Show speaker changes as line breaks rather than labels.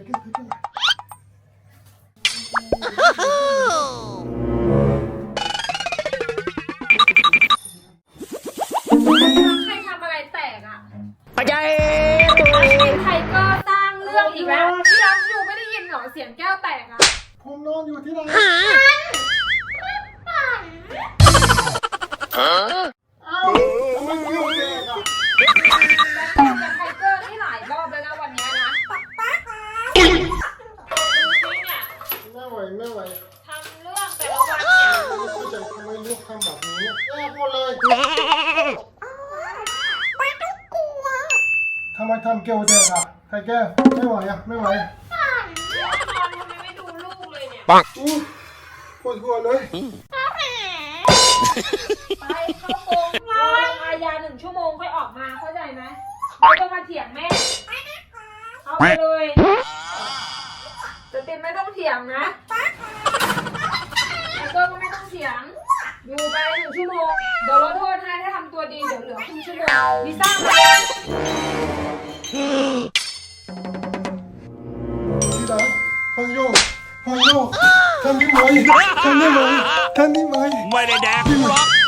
เก็บใคร
ทำอะไรแตกอ่ะ
ปัจจัย
ใครก็สร้างเรื่องอีกแล้วพี่รักอยู่ไม่ได้ยินเหรอเสียงแก้วแตกอ่ะ
ผมนอนอยู่ที่ไหนเอ้าทำไมเกี่ยวแดกอ่ะ
แล้วกับไทเกอร์นี่หลายรอบแล้วนะวันนี้นะดูสิเนี่ย
ไม่ไหวไม่ไหว
ทำเรื่องแต่ละวันเนี่ย
ไม่เข้าใจทำไมลูกทำแบบนี้แย่หมดเลยทำไมทำเกี่ยวแดกอ่ะใครแก้ไม่ไหวอ่ะไม่ไหว
นอนทำไมไม่ดูลูกเลยเนี่ย
อู้ปวดหัวเลย
ไปเข้าโกงรอลงอาญา1 ชั่วโมงค่อยออกมาเข้าใจไหมไม่ต้องมาเถียงแม่เอาไปเลยจะตินไม่ต้องเถียงนะไอ้เกิร์ก็ไม่ต้องเถียงอยู่ไป1 ชั่วโมงเดี๋ยวลดโทษให้ถ้าทำตัวดีเดี๋ยวเหลือครึ่งชั่วโมงลิซ่ามา
ที่รักห้องโยกห้องโยกทำได้ไหมทำได้ไหมทำได้ไหม
ไม่ได้แดกหรอก